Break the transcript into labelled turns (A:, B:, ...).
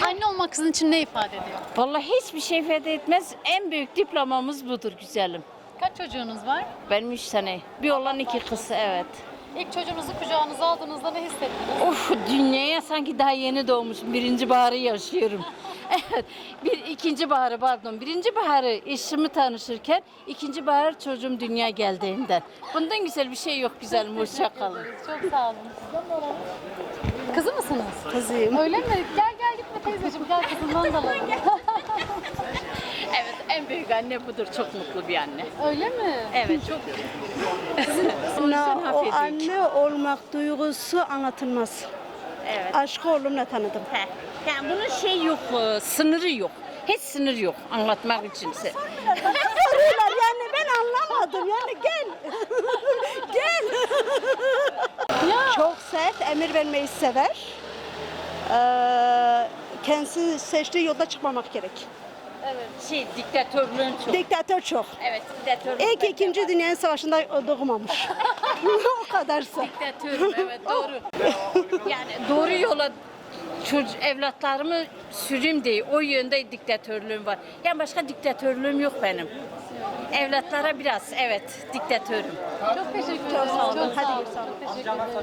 A: Anne olmak sizin için ne ifade ediyor?
B: Vallahi hiçbir şey ifade etmez. En büyük diplomamız budur güzelim.
A: Kaç çocuğunuz var?
B: Benim 3 tane. Bir oğlan 2 kız, evet.
A: İlk çocuğunuzu kucağınıza aldığınızda ne hissettiniz?
B: Of, dünyaya sanki daha yeni doğmuşum. Birinci baharı yaşıyorum. Evet. İkinci baharı pardon. Birinci baharı eşimi tanışırken, ikinci bahar çocuğum dünya geldiğinden. Bundan güzel bir şey yok güzelim. Hoşça kalın.
A: Çok sağ olun. Kızı mısınız?
C: Kızıyım.
A: Öyle mi? Gel gel gitme teyzeciğim, gel kızından da alalım.
B: Evet, en büyük anne budur. Çok mutlu bir anne.
A: Öyle mi?
B: Evet, çok.
C: O anne olmak duygusu anlatılmaz.
B: Evet.
C: Aşkı oğlumla tanıdım.
B: He. Yani bunun şey yok, sınırı yok. Hiç sınır yok anlatmak içinse.
C: Soruyorlar yani ben anlamadım yani gel. Gel. Çok sert, emir vermeyi sever. Kendisi seçtiği yolda çıkmamak gerek.
B: Şey, diktatörlüğün çok.
C: Diktatör çok.
B: Evet, diktatörlük.
C: İlk 2. Dünya Savaşı'nda doğmamış. O kadarsa.
B: Diktatörüm, evet doğru. Yani doğru yola evlatlarımı süreyim diye o yönde diktatörlüğüm var. Yani başka diktatörlüğüm yok benim. Evlatlara biraz evet diktatörüm.
A: Çok teşekkür ederim. Çok sağ olun.
C: Hadi.
A: Çok teşekkür ederim.